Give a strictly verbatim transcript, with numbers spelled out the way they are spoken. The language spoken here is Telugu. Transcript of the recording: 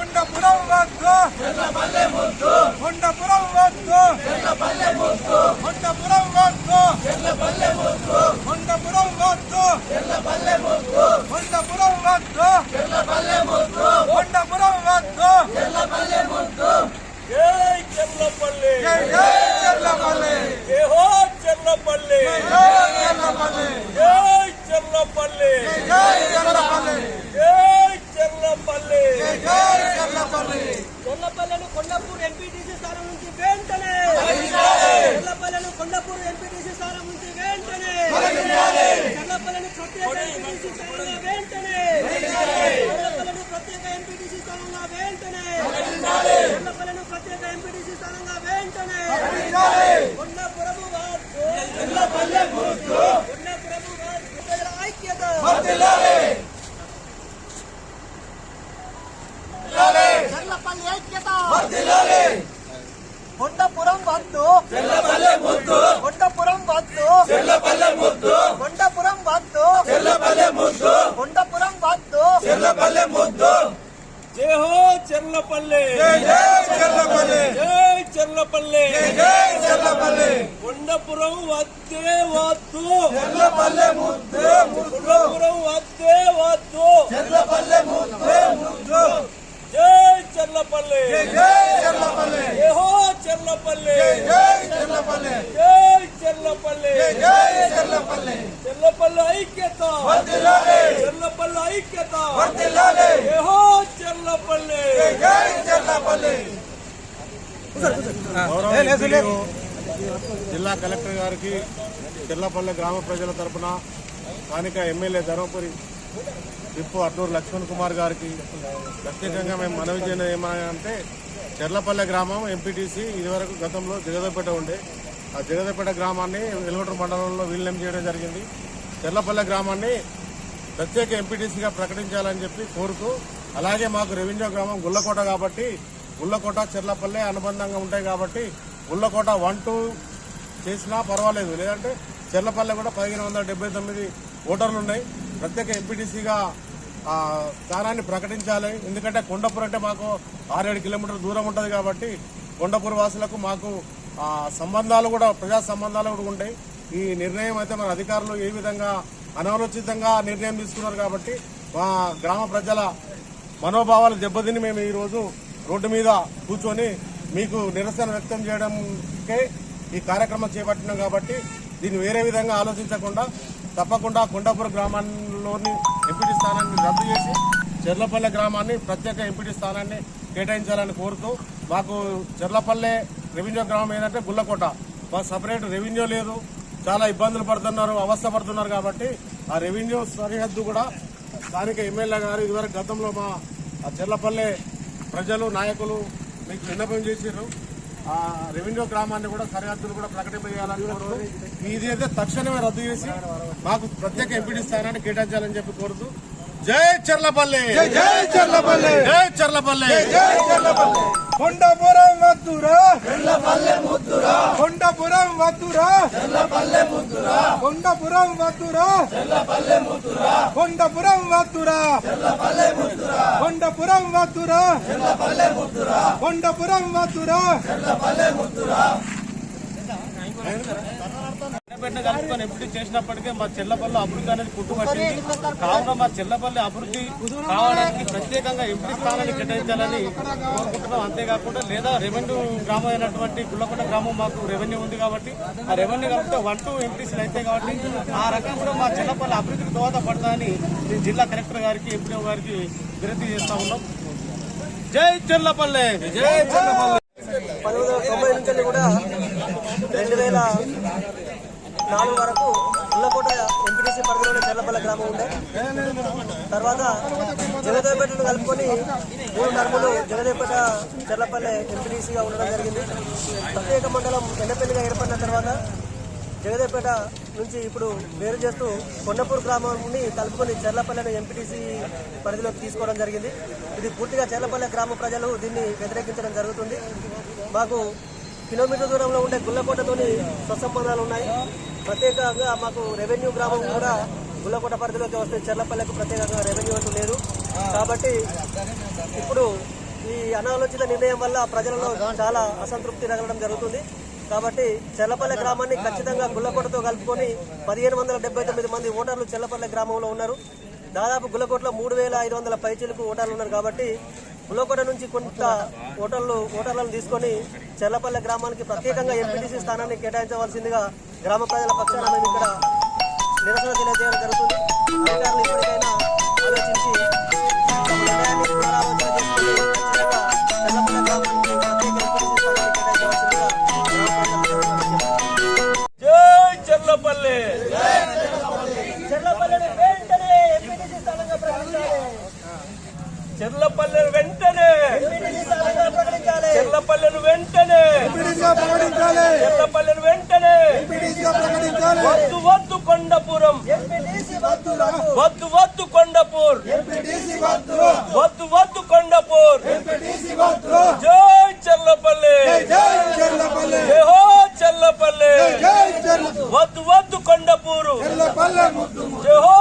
కొండపురం వద్దు చెర్లపల్లె ముద్దు కొండపురం వద్దు చెర్లపల్లె ముద్దు కొండపురం వద్దు చెర్లపల్లె ముద్దు కొండపురం వద్దు చెర్లపల్లె ముద్దు కొండపురం వద్దు చెర్లపల్లె ముద్దు కొండపురం వద్దు చెర్లపల్లె ముద్దు జై చెర్లపల్లె జై చెర్లపల్లె జై హో చెర్లపల్లె జై చెర్లపల్లె జై చెర్లపల్లె జై చెర్లపల్లె జై చెర్లపల్లె జై చెర్లపల్లె చెర్లపల్లెను కొండపూర్ ఎంపీటీసీ స్థానం నుంచి వెంటనే చెర్లపల్లెను కొండపూర్ ఎంపీటీసీ స్థానం నుంచి వెంటనే చెర్లపల్లెను ప్రత్యేక ఎంపీటీసీ స్థానంగా వెంటనే చెర్లపల్లెను ప్రత్యేక ఎంపీటీసీ స్థానంగా వెంటనే చెర్లపల్లెను ప్రత్యేక ఎంపీటీసీ స్థానంగా వెంటనే కొండపురము వద్దు చెర్లపల్లె ముద్దు కొండపురము వద్దు ప్రజల ఐక్యత చెర్లపల్లి ఐక్యత కొండపురం వద్దు చెర్లపల్లె ముద్దు కొండపురం వద్దు చెర్లపల్లె ముద్దు కొండపురం వద్దు చెర్లపల్లె ముద్దు కొండపురం వద్దు చెర్లపల్లె ముద్దు జై హో చెర్లపల్లె జై జై చెర్లపల్లె జై చెర్లపల్లె జై చెర్లపల్లె కొండపురం వద్దే వద్దు చెర్లపల్లె ముద్దు కొండపురం వద్దే వద్దు చెర్లపల్లె ముద్దు ముద్దు జై చెర్లపల్లె జై చెర్లపల్లె జై హో చెర్లపల్లె జై చెర్లపల్లె జై చెర్లపల్లె జై చెర్లపల్లె చెర్లపల్లె ఐక్యత వర్ధిల్లాలి చెర్లపల్లె ఐక్యత వర్ధిల్లాలి జై హో చెర్లపల్లె జై చెర్లపల్లె జిల్లా కలెక్టర్ గారికి చెర్లపల్లె గ్రామ ప్రజల తరపున స్థానిక ఎమ్మెల్యే ధర్మపురి విప్పు అడ్డూరు లక్ష్మణ్ కుమార్ గారికి ప్రత్యేకంగా మేము మనవి చేయడం ఏమంటే చెర్లపల్లె గ్రామం ఎంపీటీసీ ఇదివరకు గతంలో జగదేపేట ఉండే ఆ జగదేపేట గ్రామాన్ని వెలుగొండ మండలంలో విలీనం చేయడం జరిగింది. చెర్లపల్లె గ్రామాన్ని ప్రత్యేక ఎంపీటీసీగా ప్రకటించాలని చెప్పి కోరుతూ, అలాగే మాకు రెవెన్యూ గ్రామం గుల్లకోట కాబట్టి గుల్లకోట చెర్లపల్లె అనుబంధంగా ఉంటాయి కాబట్టి గుల్లకోట వన్ టూ చేసినా పర్వాలేదు, లేదంటే చెర్లపల్లె కూడా పదిహేను వందల డెబ్బై తొమ్మిది ఓటర్లు ఉన్నాయి. ప్రత్యేక ఎంపీటీసీగా స్థానాన్ని ప్రకటించాలి. ఎందుకంటే కొండపూర్ అంటే మాకు ఆరేడు కిలోమీటర్ల దూరం ఉంటుంది కాబట్టి కొండపూర్ వాసులకు మాకు సంబంధాలు కూడా ప్రజా సంబంధాలు కూడా ఉంటాయి. ఈ నిర్ణయం అయితే మన అధికారులు ఏ విధంగా అనాలోచితంగా నిర్ణయం తీసుకున్నారు కాబట్టి మా గ్రామ ప్రజల మనోభావాలు దెబ్బతిని మేము ఈరోజు రోడ్డు మీద కూర్చొని మీకు నిరసన వ్యక్తం చేయడంకే ఈ కార్యక్రమం చేపట్టినాం. కాబట్టి దీన్ని వేరే విధంగా ఆలోచించకుండా తప్పకుండా కొండపూర్ గ్రామంలోని ఎంపీటీ స్థానాన్ని రద్దు చేసి చెర్లపల్లె గ్రామాన్ని ప్రత్యేక ఎంపీటీ స్థానాన్ని కేటాయించాలని కోరుతూ, మాకు చెర్లపల్లె రెవెన్యూ గ్రామం ఏంటంటే గుల్లకోట, మాకు సపరేట్ రెవెన్యూ లేదు, చాలా ఇబ్బందులు పడుతున్నారు, అవస్థ పడుతున్నారు. కాబట్టి ఆ రెవెన్యూ సరిహద్దు కూడా స్థానిక ఎమ్మెల్యే గారు ఇదివరకు గతంలో మా చెర్లపల్లె ప్రజలు నాయకులు మీకు విన్నపం చేశారు. ఆ రెవెన్యూ గ్రామాన్ని కూడా సరిహద్దులు కూడా ప్రకటింపజేయాలని కోరుతూ, ఇది అయితే తక్షణమే రద్దు చేసి మాకు ప్రత్యేక ఎంపీటీ స్థానాన్ని కేటాయించాలని చెప్పి కోరుతూ, జై చెర్లపల్లె జై చెర్లపల్లె జై చెర్లపల్లె జై చెర్లపల్లె కొండపురం వద్దురా చెర్లపల్లె ముద్దురా కొండపురం వద్దురా చెర్లపల్లె ముద్దురా కొండపురం వద్దురా చెర్లపల్లె ముద్దురా కొండపురం వద్దురా చెర్లపల్లె ముద్దురా కొండపురం వద్దురా చెర్లపల్లె ముద్దురా కొండపురం వద్దురా చెర్లపల్లె ముద్దురా కలుపుకొని ఎంపీటీ చేసినప్పటికీ మా చెర్లపల్లి అభివృద్ధి అనేది పుట్టుబట్టింది. కావున మా చెర్లపల్లి అభివృద్ధి కావడానికి ప్రత్యేకంగా ఎంపీ స్థానాన్ని కేటాయించాలని కోరుకుంటున్నాం. అంతేకాకుండా లేదా రెవెన్యూ గ్రామం అయినటువంటి గుల్లకొండ గ్రామం మాకు రెవెన్యూ ఉంది కాబట్టి ఆ రెవెన్యూ కలిపితే వన్ టూ ఎంపీసీలు అయితే కాబట్టి ఆ రకంగా కూడా మా చెర్లపల్లి అభివృద్ధికి దోహదపడతామని జిల్లా కలెక్టర్ గారికి ఎంపీఓ గారికి వినతి చేస్తా ఉన్నాం. జై చెర్లపల్లె జై చెర్లపల్లె. పంతొమ్మిది వందల తొంభై నుంచి కూడా రెండు వేల నాలుగు వరకు గుల్లకోట ఎంపీటీసీ పరిధిలోనే చెర్లపల్లె గ్రామం ఉండే. తర్వాత జగదేపేటను కలుపుకొని మూడు టర్ములు జగదేపేట చెర్లపల్లె ఎంపీటీసీగా ఉండడం జరిగింది. ప్రత్యేక మండలం ఎన్నపల్లిగా ఏర్పడిన తర్వాత జగదేపేట నుంచి ఇప్పుడు వేరు చేస్తూ కొండపూర్ గ్రామాన్ని కలుపుకొని చెర్లపల్లెను ఎంపీటీసీ పరిధిలోకి తీసుకోవడం జరిగింది. ఇది పూర్తిగా చెర్లపల్లె గ్రామ ప్రజలు దీన్ని వ్యతిరేకించడం జరుగుతుంది. మాకు కిలోమీటర్ దూరంలో ఉండే గుల్లకోటతోని స్వసంబంధాలు ఉన్నాయి. ప్రత్యేకంగా మాకు రెవెన్యూ గ్రామం కూడా గుల్లకోట పరిధిలోకి వస్తే చెర్లపల్లెకు ప్రత్యేకంగా రెవెన్యూ అంటూ లేదు. కాబట్టి ఇప్పుడు ఈ అనాలోచిత నిర్ణయం వల్ల ప్రజలలో చాలా అసంతృప్తి రగలడం జరుగుతుంది. కాబట్టి చెర్లపల్లె గ్రామాన్ని ఖచ్చితంగా గుల్లకోటతో కలుపుకొని పదిహేను వందల డెబ్బై తొమ్మిది మంది ఓటర్లు చెర్లపల్లె గ్రామంలో ఉన్నారు. దాదాపు గుల్లకోటలో మూడు వేల ఐదు వందల పైచీలకు ఓటర్లు ఉన్నారు. కాబట్టి గుల్లకోట నుంచి కొంత ఓటర్లు ఓటర్లను తీసుకొని చెర్లపల్లె గ్రామానికి ప్రత్యేకంగా ఎంపీటీసీ స్థానాన్ని కేటాయించవలసిందిగా గ్రామ ప్రజల పక్షాన మేము ఇక్కడ నిరసన తెలియజేయడం జరుగుతుంది. అధికారులు ఇప్పటికైనా ఆలోచించి తమ నిర్ణయాన్ని పునరాలోచన చేసుకుని ఖచ్చితంగా చెర్లపల్లె గ్రామానికి ప్రత్యేక ఎంపీటీసీ స్థానాన్ని కేటాయించవలసిందిగా గ్రామ ప్రజలకు జై చెర్లపల్లి చెర్లపల్లెని వెంటనే ఎంపీటీసీ స్థానంగా ప్రకటించాలి. చెర్లపల్లె వెంటనే ఎంపీటీసీ స్థానంగా ప్రకటించాలి. చెర్లపల్లెను వెంటనే ఎంపీటీసీగా ప్రకటించాలి. చెర్లపల్లెను వెంటనే ఎంపీటీసీగా ప్రకటించాలి. వద్దు వద్దు కొండపురం ఎంపీటీసీ వద్దురా. వద్దు వద్దు కొండపూర్ ఎంపీటీసీ వద్దు. వద్దు వద్దు కొండపూర్ ఎంపీటీసీ వద్దు. జై చెర్లపల్లి జై చెర్లపల్లి. జై హో చెర్లపల్లి జై చెర్ల వద్దు వద్దు కొండపూరు చెర్లపల్లె ముద్దు జై హో